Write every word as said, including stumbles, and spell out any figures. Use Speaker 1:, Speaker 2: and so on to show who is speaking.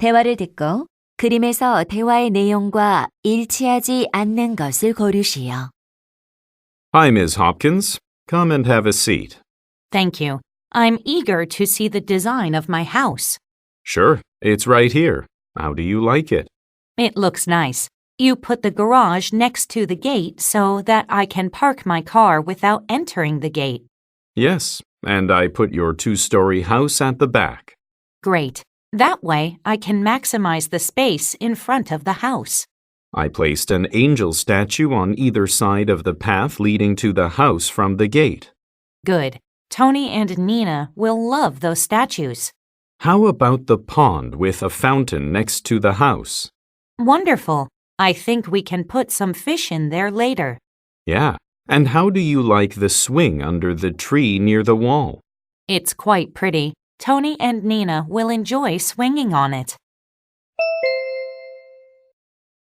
Speaker 1: 대화를 듣고 그림에서 대화의 내용과 일치하지 않는 것을 고르시오.
Speaker 2: Hi, Miss Hopkins. Come and have a seat.
Speaker 3: Thank you. I'm eager to see the design of my house.
Speaker 2: Sure, it's right here. How do you like it?
Speaker 3: It looks nice. You put the garage next to the gate so that I can park my car without entering the gate.
Speaker 2: Yes, and I put your two-story house at the back.
Speaker 3: Great. That way, I can maximize the space in front of the house.
Speaker 2: I placed an angel statue on either side of the path leading to the house from the gate.
Speaker 3: Good. Tony and Nina will love those statues.
Speaker 2: How about the pond with a fountain next to the house?
Speaker 3: Wonderful. I think we can put some fish in there later.
Speaker 2: Yeah, and how do you like the swing under the tree near the wall?
Speaker 3: It's quite pretty. Tony and Nina will enjoy swinging on it.